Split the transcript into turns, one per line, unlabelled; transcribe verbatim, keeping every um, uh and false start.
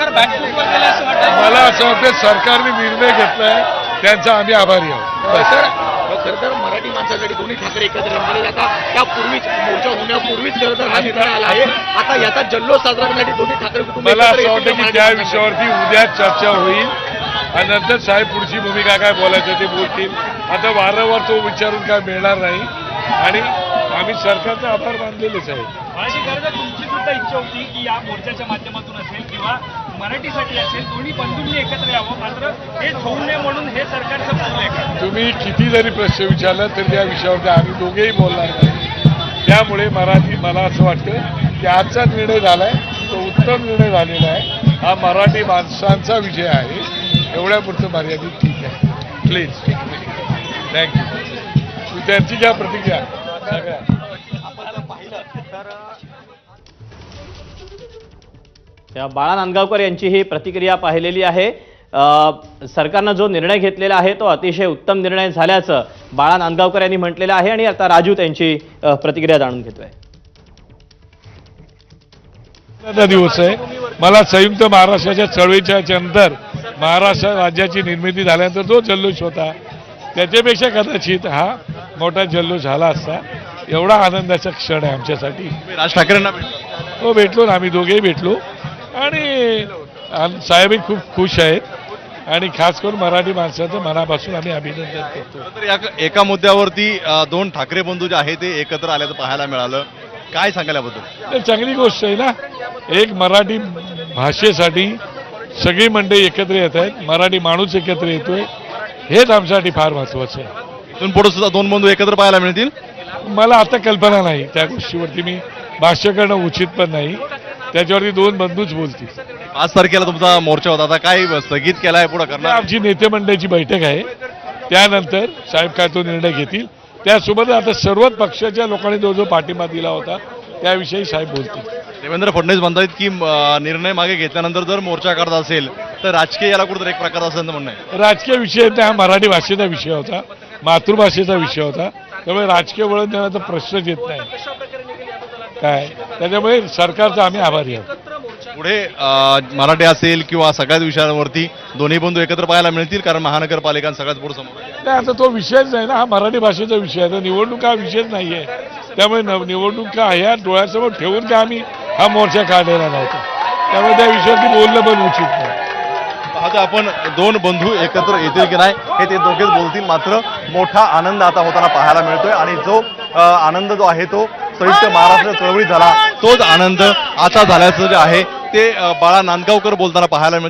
सरकार बॅकफूटवर गेलं असं वाटतं?
मला असं वाटतं सरकारने निर्णय घेतलाय त्यांचा आम्ही आभारी आहोत.
सर खरं तर मराठी माणसासाठी दोन्ही ठाकरे एकत्र रमलेले आता त्यापूर्वीच मोर्चा होण्यापूर्वीच खरं तर हा निर्णय आला आहे. आता याचा जल्लोष साजरा करण्यासाठी दोन्ही ठाकरे कुटुंब
मला
एकत्र
असं वाटतं
येतील
की
का
त्या
मराठी
विषयावरती उद्या चर्चा होईल आणि नंतर साहेब पुढची भूमिका काय बोलायचं ते बोलतील. आता वारंवार तो विचारून काय मिळणार नाही आणि आम्ही सरकारचा आभार मानलेलेच आहे.
माझी गरज तुमची सुद्धा इच्छा होती की या मोर्चाच्या माध्यमातून असेल किंवा मराठीसाठी असेल दोन्ही बंधूंनी एकत्र यावं, मात्र हे होऊ नये म्हणून हे सरकारचं पाऊल आहे का?
तुम्ही किती जरी प्रश्न विचारला तरी त्या विषयावरती आम्ही दोघेही बोलणार नाही. त्यामुळे मराठी मला असं वाटतं की आजचा निर्णय झालाय तो उत्तम निर्णय झालेला आहे. हा मराठी माणसांचा विषय आहे. एवढ्यापुरतं मर्यादित ठीक आहे. Please thank you. त्यांची ज्या प्रतिक्रिया सगळ्या
या बाळा नांदगावकर यांची ही प्रतिक्रिया पाहिलेली आहे. सरकारनं जो निर्णय घेतलेला आहे तो अतिशय उत्तम निर्णय झाल्याचं बाळा नांदगावकर यांनी म्हटलेलं आहे. आणि आता राजू त्यांची प्रतिक्रिया जाणून घेतोय.
दिवस आहे. मला संयुक्त महाराष्ट्राच्या चळवळीच्या नंतर महाराष्ट्र राज्याची निर्मिती झाल्यानंतर जो जल्लोष होता त्याच्यापेक्षा कदाचित हा मोठा जल्लोष झाला असता. एवढा आनंदाचा क्षण आहे आमच्यासाठी.
राज ठाकरेंना भेटलो.
हो भेटलो ना, आम्ही दोघेही भेटलो आणि साहेबही खूप खुश आहेत आणि खास करून मराठी माणसाचं मनापासून आम्ही अभिनंदन करतो.
तर या एका मुद्द्यावरती अ, दोन ठाकरे बंधू जे आहे ते एकत्र आल्याचं पाहायला मिळालं. काय सांगाल याबद्दल?
तर चांगली गोष्ट आहे ना. एक मराठी भाषेसाठी सगळी मंडळी एकत्र येत आहेत. मराठी माणूस एकत्र येतोय. हेच आमच्यासाठी फार महत्वाचं आहे.
इथून पुढे सुद्धा दोन बंधू एकत्र पाहायला मिळतील.
मला आता कल्पना नाही त्या गोष्टीवरती. मी भाष्य करणं उचित पण नाही. त्याच्यावरती दोन बंधूच बोलतील.
पाच तारखेला तुमचा मोर्चा होता. आता काय स्थगित केलाय पुढे करणार?
आमची नेते मंडळाची बैठक आहे. त्यानंतर साहेब काय तो निर्णय घेतील. त्यासोबत आता सर्वच पक्षाच्या लोकांनी जो जो पाठिंबा दिला होता त्याविषयी साहेब बोलतील.
देवेंद्र फडणवीस म्हणतात की अ, निर्णय मागे घेतल्यानंतर जर मोर्चा करत असेल तर राजकीय याला कुठेतरी एक प्रकार असं म्हणणं आहे.
राजकीय विषय नाही, हा मराठी भाषेचा विषय होता. मातृभाषेचा विषय होता. त्यामुळे राजकीय वळण देण्याचा प्रश्नच येत नाही काय. त्याच्यामुळे सरकारचा आम्ही आभारी आहोत.
पुढे अ, मराठी असेल किंवा सगळ्याच विषयांवरती दोन्ही बंधू एकत्र पाहायला मिळतील, कारण महानगरपालिका सगळ्यात पुढे समोर आहे.
नाही आता तो विषयच नाही ना. हा मराठी भाषेचा विषय आहे. तर निवडणूक हा विषयच नाही आहे. त्यामुळे न निवडणुका ह्या डोळ्यासमोर ठेवून का आम्ही हा मोर्चा काढलेला नव्हता. त्यामुळे त्या विषयावरती बोलणं पण उचित नाही.
आता आपण दोन बंधू एकत्र येतील की नाही हे ते दोघेच बोलतील. मात्र मोठा आनंद आता होताना पाहायला मिळतोय आणि जो अ, आनंद जो आहे तो संयुक्त महाराष्ट्र चळवळीत झाला तोच आनंद आता झाल्याचं जे आहे ते अ, बाळा नांदगावकर बोलताना पाहायला मिळतं.